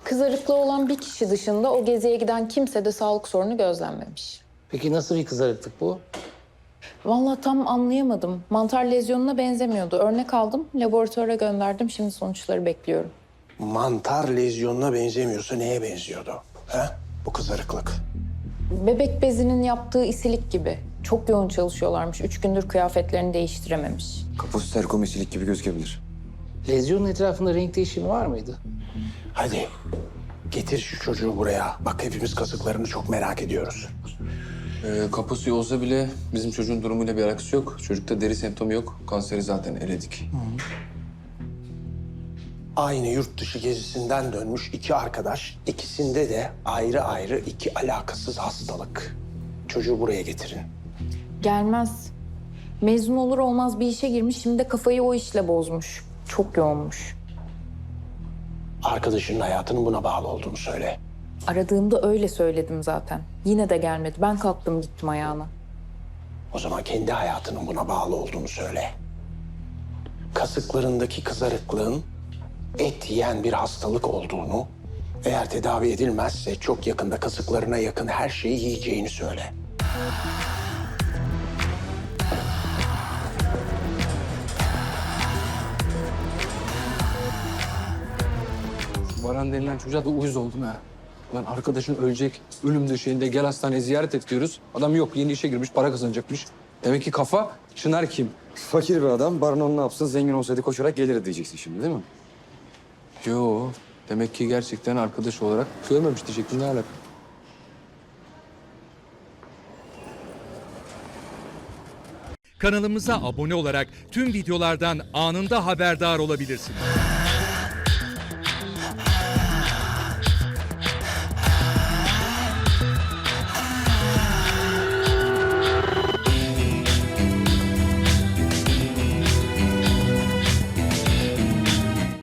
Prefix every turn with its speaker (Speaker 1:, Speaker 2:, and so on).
Speaker 1: Kızarıklığı olan bir kişi dışında o geziye giden kimse de sağlık sorunu gözlenmemiş.
Speaker 2: Peki nasıl bir kızarıklık bu?
Speaker 1: Vallahi tam anlayamadım. Mantar lezyonuna benzemiyordu. Örnek aldım, laboratuvara gönderdim. Şimdi sonuçları bekliyorum.
Speaker 3: Mantar lezyonuna benzemiyorsa neye benziyordu? He? Bu kızarıklık.
Speaker 1: Bebek bezinin yaptığı isilik gibi. Çok yoğun çalışıyorlarmış. 3 gündür kıyafetlerini değiştirememiş.
Speaker 4: Kaposterkomesilik gibi gözükebilir.
Speaker 2: Lezyonun etrafında renk değişimi var mıydı?
Speaker 3: Hadi getir şu çocuğu buraya. Bak hepimiz kasıklarını çok merak ediyoruz.
Speaker 5: Kaposu olsa bile bizim çocuğun durumuyla bir alakası yok. Çocukta deri semptomu yok. Kanseri zaten eledik.
Speaker 3: Aynı yurt dışı gezisinden dönmüş iki arkadaş. İkisinde de ayrı ayrı iki alakasız hastalık. Çocuğu buraya getirin.
Speaker 1: Gelmez. Mezun olur olmaz bir işe girmiş. Şimdi de kafayı o işle bozmuş. Çok yoğunmuş.
Speaker 3: Arkadaşının hayatının buna bağlı olduğunu söyle.
Speaker 1: Aradığımda öyle söyledim zaten. Yine de gelmedi. Ben kalktım gittim ayağına.
Speaker 3: O zaman kendi hayatının buna bağlı olduğunu söyle. Kasıklarındaki kızarıklığın et yiyen bir hastalık olduğunu, eğer tedavi edilmezse çok yakında kasıklarına yakın her şeyi yiyeceğini söyle.
Speaker 5: Baran denilen çocuğa da uyuz oldum ha. Lan arkadaşın ölecek, ölüm döşeğinde gel hastaneye ziyaret et diyoruz. Adam yok, yeni işe girmiş, para kazanacakmış. Demek ki kafa, Çınar kim?
Speaker 4: Fakir bir adam, Baron ne yapsın, zengin olsaydı koşarak gelir diyeceksin şimdi değil mi?
Speaker 5: Yo, demek ki gerçekten arkadaş olarak görmemiş diyecektim, ne alaka?
Speaker 6: Kanalımıza abone olarak tüm videolardan anında haberdar olabilirsiniz.